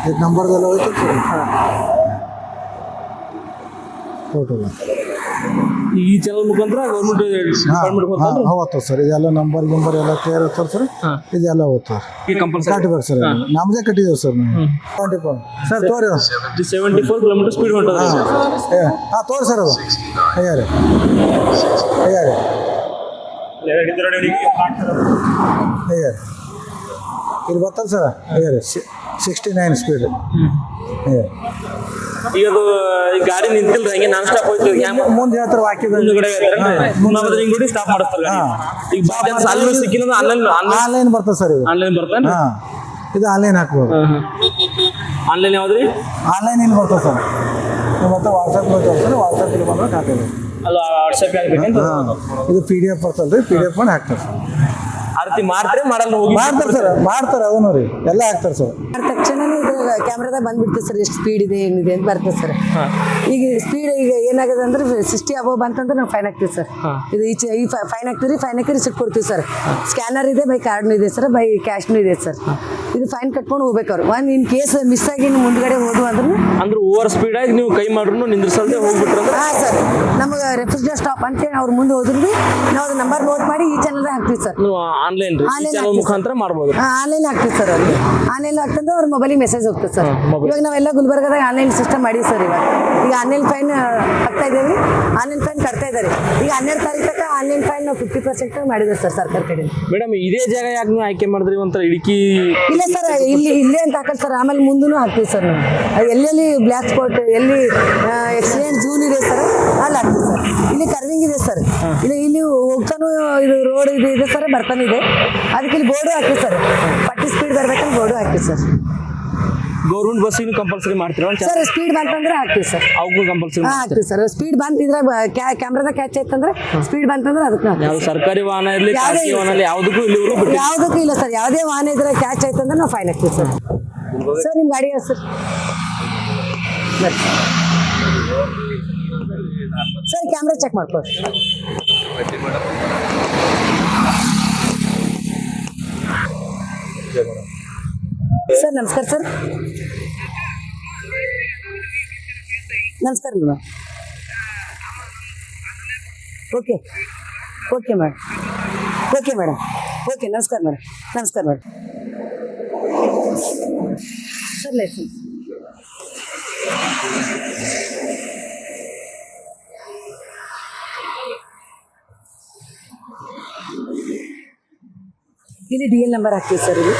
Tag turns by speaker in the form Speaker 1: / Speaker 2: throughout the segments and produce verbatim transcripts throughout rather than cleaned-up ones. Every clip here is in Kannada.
Speaker 1: ಇದು ನಂಬರ್ದೆಲ್ಲ ಹೋಯ್ತು ಟೋಟಲ್
Speaker 2: ಈ ಚಾನಲ್ ಮುಖಾಂತರ ಗೌರ್ಮೆಂಟ್ ಡಿಪಾರ್ಟ್ಮೆಂಟ್
Speaker 1: ಹೋಗ್ತದೆ ಸರ್ ಇದೆಲ್ಲ ನಂಬರ್ ಗಿಂಬರ್ ಎಲ್ಲ ಕ್ಲಿಯರ್ ಇರ್ತದೆ ಸರ್ ಇದೆಲ್ಲ ಹೋಗ್ತದೆ
Speaker 2: ಕಂಪಲ್ಸರಿ
Speaker 1: ಕಟ್ಬೇಕು ಸರ್ ನಮ್ಮದೇ ಕಟ್ಟಿದ್ದೇವೆ ಸರ್ ನಾವು ಟ್ವೆಂಟಿ ಫೋರ್ ಸರ್ ತೋರಿ
Speaker 2: ಸೆವೆಂಟಿ ಫೋರ್ ಕಿಲೋಮೀಟರ್ ಸ್ಪೀಡ್ ಹೊಂಟದ
Speaker 1: ಹಾಂ ತೋರಿ ಸರ್ ಅದು ಅಯ್ಯಾರೆ ಅಯ್ಯಾರೆ ಅಯ್ಯಾರೆ ಇಲ್ಲಿ ಬರ್ತಲ್ಲ ಸರ್ ಅಯ್ಯಾರೆ ಸಿಕ್ಸ್ಟಿ ನೈನ್ ಸ್ಪೀಡ್ ಅಯ್ಯಾರೆ
Speaker 2: ಈಗ ಅದು ಈ ಗಾಡಿ ನಿಂತಿಲ್ಲ ಹಂಗೆ ನಾನ್ ಸ್ಟಾಪ್ ಹೋಯ್ತು
Speaker 1: ಮುಂದೆ ಹೇಳ್ತಾರೆ ವಾಕ್ಯದ
Speaker 2: ಮುಂದ್ಗಡೆ ಹಿಂಗ್ ಸ್ಟಾಪ್ ಮಾಡಿಸ್ತಾರೆ ಈಗ ಬಾಜನ್ಸ್ ಅಲ್ಲಿ ಸಿಕ್ಕಿಲ್ಲ ಆನ್ಲೈನ್
Speaker 1: ಆನ್ಲೈನ್ ಬರ್ತದೆ ಸರ್ ಇದು
Speaker 2: ಆನ್ಲೈನ್ ಬರ್ತಾನೆ
Speaker 1: ಹಾಂ ಇದು ಆನ್ಲೈನ್ ಹಾಕ್ಬೋದು
Speaker 2: ಆನ್ಲೈನ್ ಯಾವ್ದ್ರಿ
Speaker 1: ಆನ್ಲೈನ್ ಇಲ್ಲಿ ಬರ್ತದೆ ಸರ್ ಮತ್ತೆ ವಾಟ್ಸಪ್ ಬರ್ತದೆ ಸರ್ ವಾಟ್ಸಪ್ ಇಲ್ಲಿ ಬಂದ್ರೆ ಹಾಕೋದು
Speaker 2: ಅಲ್ಲ ವಾಟ್ಸಪ್ ಆಗ್ಬೇಕಂತ
Speaker 1: ಇದು ಪಿ ಡಿ ಎಫ್ ಬರ್ತಲ್ಲ ರೀ ಪಿ ಡಿ ಎಫ್ ಮಾಡಿ ಹಾಕ್ತಾರೆ ಸರ್
Speaker 2: ಆ ರೀತಿ ಮಾಡ್ತಾರೆ ಮಾಡಲ್ಲ ಹೋಗಿ
Speaker 1: ಮಾಡ್ತಾರೆ ಸರ್ ಮಾಡ್ತಾರೆ ಅವನು ರೀ ಎಲ್ಲ ಹಾಕ್ತಾರೆ ಸರ್
Speaker 3: ತಕ್ಷಣ ಇದು ಕ್ಯಾಮ್ರಾದಾಗ ಬಂದ್ಬಿಡ್ತದೆ ಸರ್ ಎಷ್ಟು ಸ್ಪೀಡ್ ಇದೆ ಏನಿದೆ ಅಂತ ಬರ್ತದೆ ಸರ್ ಈಗ ಸ್ಪೀಡ್ ಈಗ ಏನಾಗಿದೆ ಅಂದ್ರೆ ಸಿಕ್ಸ್ಟಿ ಅಬೋವ್ ಬಂತಂದ್ರೆ ನಾವು ಫೈನ್ ಹಾಕ್ತೀವಿ ಸರ್ ಇದು ಈಚೆ ಈ ಫೈನ್ ಹಾಕ್ತೀವಿ ಫೈನ್ ಹಾಕಿ ರಿಸಿಪ್ಟ್ ಕೊಡ್ತೀವಿ ಸರ್ ಸ್ಕ್ಯಾನರ್ ಇದೆ ಬೈ ಕಾರ್ಡ್ನು ಇದೆ ಸರ್ ಬೈ ಕ್ಯಾಶ್ನು ಇದೆ ಸರ್ ಇದು ಫೈನ್ ಕಟ್ಕೊಂಡು ಹೋಗ್ಬೇಕು ಅವ್ರು ಒಂದು ಇನ್ ಕೇಸ್ ಮಿಸ್ ಆಗಿ ಮುಂದ್ಗಡೆ ಹೋದ್ವು ಅಂದ್ರೆ
Speaker 2: ಅಂದ್ರೆ ಓವರ್ ಸ್ಪೀಡ್ ಆಗಿ ನೀವು ಕೈ ಮಾಡ್ರು ನಿಂದ್ರಿಸಲ್ದೆ ಹೋಗ್ಬಿಟ್ರೆ
Speaker 3: ಹಾಂ ಸರ್ ನಮಗೆ ರೆಫ್ರಿಜರೇಟರ್ ಸ್ಟಾಪ್ ಅಂತೇಳಿ ಅವ್ರು ಮುಂದೆ ಹೋದ್ರು ಭೀ ನಾವು ಅದು ನಂಬರ್ ನೋಟ್ ಮಾಡಿ ಈ ಚಾನಲ್ದಾಗ ಹಾಕ್ತೀವಿ ಸರ್
Speaker 2: ನೀವು ಆನ್ಲೈನ್ ರೀ ಚಾನಲ್ ಮುಖಾಂತರ ಮಾಡ್ಬೋದು
Speaker 3: ಆನ್ಲೈನ್ ಹಾಕ್ತೀವಿ ಸರ್ ಅವ್ರಿಗೆ ಆನ್ಲೈನ್ ಹಾಕ್ತಂದ್ರೆ ಅವ್ರ ಮೊಬೈಲಿಗೆ ಮೆಸೇಜ್ ಹೋಗ್ತದೆ ಸರ್ ಇವಾಗ ನಾವೆಲ್ಲ ಗುಲ್ಬರ್ಗದಾಗ ಆನ್ಲೈನ್ ಸಿಸ್ಟಮ್ ಮಾಡೀವಿ ಸರ್ ಇವಾಗ ಈಗ ಆನ್ಲೈನ್ ಫೈನ್ ಹಾಕ್ತಾ ಇದ್ದೇವೆ ಆನ್ಲೈನ್ ಫೈನ್ ಕಟ್ತಾ ಇದ್ದಾರೆ ಈಗ ಹನ್ನೆರಡು ತಾರೀಕು ತನಕ ಆನ್ಲೈನ್ ಫೈನ್ ನಾವು ಫಿಫ್ಟಿ ಪರ್ಸೆಂಟ್ ಮಾಡಿದ್ದಾರೆ ಸರ್ ಸರ್ಕಾರ ಕಡೆ
Speaker 2: ಮೇಡಮ್ ಇದೇ ಜಾಗ ಯಾಕೆ ನೀವು ಆಯ್ಕೆ ಮಾಡಿದ್ರಿ ಒಂಥರ ಇടുക്കി
Speaker 3: ಇಲ್ಲ ಸರ್ ಇಲ್ಲಿ ಇಲ್ಲೇ ಅಂತ ಹಾಕಲ್ಲ ಸರ್ ಆಮೇಲೆ ಮುಂದೂ ಹಾಕ್ತೀವಿ ಸರ್ ನಾವು ಅದು ಎಲ್ಲೆಲ್ಲಿ ಬ್ಲ್ಯಾಕ್ ಸ್ಪಾಟ್ ಎಲ್ಲಿ ಎಕ್ಸಿಡೆಂಟ್ ಝೂನ್ ಇದೆ ಸರ್ ಅಲ್ಲಿ ಹಾಕ್ತೀವಿ ಸರ್ ಇಲ್ಲಿ ಕರ್ವಿಂಗ್ ಇದೆ ಸರ್ ಇಲ್ಲಿ ಇಲ್ಲಿ ಹೋಗ್ತಾನು ಇದು ರೋಡ್ ಇದು ಇದೆ ಸರ್ ಬರ್ತಾನೆ ಇದೆ ಅದಕ್ಕೆ ಇಲ್ಲಿ ಬೋರ್ಡು ಹಾಕಿ ಸರ್ ಫಾರ್ಟಿ ಸ್ಪೀಡ್ ಬರ್ಬೇಕಂತ ಬೋರ್ಡು ಹಾಕಿ ಸರ್
Speaker 2: ಗೌರ್ಮೆಂಟ್ ಬಸ್ಸಿಗೆ ಕಂಪಲ್ಸರಿ ಮಾಡ್ತೀರಾ
Speaker 3: ಸರ್ ಸ್ಪೀಡ್ ಬಂತಂದ್ರೆ ಹಾಕ್ತೀವಿ ಸರ್
Speaker 2: ಅವಕ್ಕೂ ಕಂಪಲ್ಸರಿ
Speaker 3: ಹಾಂ ಹಾಕ್ತೀವಿ ಸರ್ ಸ್ಪೀಡ್ ಬಂತಿದ್ರೆ ಕ್ಯಾಮ್ರಾದಾಗ ಕ್ಯಾಚ್ ಆಯ್ತಂದ್ರೆ ಸ್ಪೀಡ್ ಬಂತಂದ್ರೆ ಅದಕ್ಕೆ
Speaker 2: ಯಾವ್ದು ಸರ್ಕಾರಿ ವಾಹನ ಇರಲಿ ಖಾಸಗಿ ವಾಹನ ಇರಲಿ ಯಾವುದಕ್ಕೂ ಇಲ್ಲಿವರೆಗೂ ಬಿಟ್ಟು
Speaker 3: ಯಾವುದಕ್ಕೂ ಇಲ್ಲ ಸರ್ ಯಾವುದೇ ವಾಹನ ಇದ್ರೆ ಕ್ಯಾಚ್ ಆಯ್ತಂದ್ರೆ ನಾವು ಫೈನ್ ಹಾಕ್ತೀವಿ ಸರ್ ಸರ್ ನಿಮ್ಮ ಗಾಡಿ ಸರ್ ಸರ್ ಕ್ಯಾಮ್ರಾ ಚೆಕ್ ಮಾಡ್ಕೊಳ್ಳಿ ಸರ್ ನಮಸ್ಕಾರ ಸರ್ ನಮಸ್ಕಾರ madam okay okay madam okay madam okay ನಮಸ್ಕಾರ ಮೇಡಮ್ ನಮಸ್ಕಾರ ಮೇಡಮ್ ಸರ್ ಲೈಸೆನ್ಸ್ ಇಲ್ಲಿ ಡಿ ಎಲ್ ನಂಬರ್ ಹಾಕ್ತೀವಿ ಸರ್ ಇಲ್ಲಿ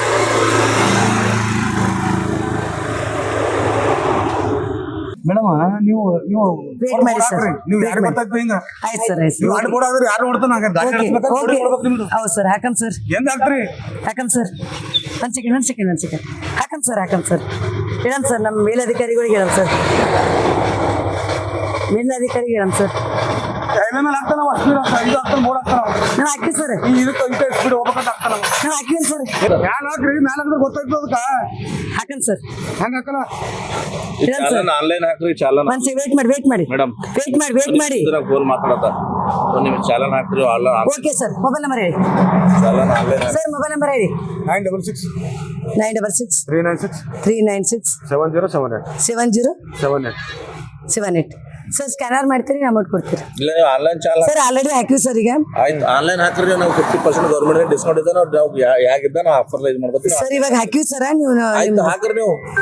Speaker 1: ಮೇಡಮ್ ನೀವು ನೀವು
Speaker 3: ವೇಟ್ ಮಾಡಿ ಸರ್
Speaker 1: ನೀವು ಯಾರು ಗೊತ್ತಾಗ್ತದೆ ಹಿಂಗ
Speaker 3: ಆಯ್ತು ಸರ್ ಆಯ್ತು
Speaker 1: ನೀವು ಆಡ್ ಬೋರ್ಡ್ ಆದ್ರೆ ಯಾರು ನೋಡ್ತಾನೆ
Speaker 3: ಓಕೆ ಓಕೆ ಹೌದು ಸರ್ ಹಾಕಮ್ ಸರ್
Speaker 1: ಎಂದ ಹಾಕ್ತ್ರಿ
Speaker 3: ಹಾಕಮ್ ಸರ್ ಒಂದು ಸೆಕೆಂಡ್ ಒಂದು ಸೆಕೆಂಡ್ ಒಂದು ಸೆಕೆಂಡ್ ಹಾಕಮ್ ಸರ್ ಹಾಕಮ್ ಸರ್ ಹೇಳಮ್ ಸರ್ ನಮ್ಮ ಮೇಲಧಿಕಾರಿಗಳಿಗೆ ಹೇಳಮ್ ಸರ್ ಮೇಲಧಿಕಾರಿಗೆ ಹೇಳಮ್ ಸರ್
Speaker 1: ಮೇಲೆ ಹಾಕ್ತಾನ ಸ್ಪೀಡ್ ಆಗ್ತಾನೆ ಇದು ಆಗ್ತಾನೆ ಬೋರ್ಡ್ ಆಗ್ತಾನ
Speaker 3: ನಾನು ಹಾಕಿ ಸರ್
Speaker 1: ಈ ಇದಕ್ಕೆ ಇಂಟೆ ಸ್ಪೀಡ್ ಹೋಗ್ಬೇಕಂತ ಆಗ್ತಾನ
Speaker 3: ನಾನು ಹಾಕಿನಿ ಸರ್
Speaker 1: ಮ್ಯಾಲ ಹಾಕ್ರಿ ಮ್ಯಾಲ ಹಾಕಿದ್ರೆ ಗೊತ್ತಾಗ್ತದೆ ಅದಕ್ಕೆ
Speaker 3: ಹಾಕಮ್ ಸರ್
Speaker 1: ಹೆಂಗೆ ಹಾಕಲ್ಲ
Speaker 3: ಹೇಳಮ್ ಸರ್
Speaker 4: ಆನ್ಲೈನ್ ಹಾಕ್ರಿ ಚಾಲನ್
Speaker 3: ಒಂದು ವೇಟ್ ಮಾಡಿ ವೇಟ್ ಮಾಡಿ
Speaker 4: ಮೇಡಮ್
Speaker 3: ವೇಟ್ ಮಾಡಿ ವೇಟ್ ಮಾಡಿ
Speaker 4: ಫೋನ್ ಮಾತಾಡತ್ತ ಒಂದು ನಿಮಿಷ ಚಾಲನ್ ಹಾಕ್ರಿ
Speaker 3: ಓಕೆ ಸರ್ ಮೊಬೈಲ್ ನಂಬರ್ ಹೇಳಿ
Speaker 4: challan online
Speaker 3: sir mobile number ಹೇಳಿ
Speaker 1: nine double six
Speaker 3: nine double six
Speaker 1: three nine six
Speaker 3: three nine six
Speaker 1: seven zero seven eight
Speaker 3: seven zero
Speaker 1: seven eight
Speaker 3: seven eight sir scanner ಮಾಡ್ತೀರಿ ಅಮೌಂಟ್ ಕೊಡ್ತೀರಿ
Speaker 4: ಇಲ್ಲ ನೀವು ಆನ್ಲೈನ್ ಚಾಲನ್
Speaker 3: ಸರ್ ಆಲ್ರೆಡಿ ಹಾಕಿವಿ ಸರ್ ಈಗ
Speaker 4: ಆಯ್ತು ಆನ್ಲೈನ್ ಹಾಕ್ರಿ ನಾವು ಫಿಫ್ಟಿ ಪರ್ಸೆಂಟ್ ಗೌರ್ಮೆಂಟ್ ಡಿಸ್ಕೌಂಟ್ ಇದೆ ನಾವು ಯಾಗಿದ್ದ ನಾವು ಆಫರ್ ಇದು ಮಾಡ್ಬೋದು
Speaker 3: ಸರ್ ಇವಾಗ ಹಾಕಿವಿ ಸರ್ ನೀವು
Speaker 4: ಆಯ್ತು ಹಾಕ್ರಿ ನೀವು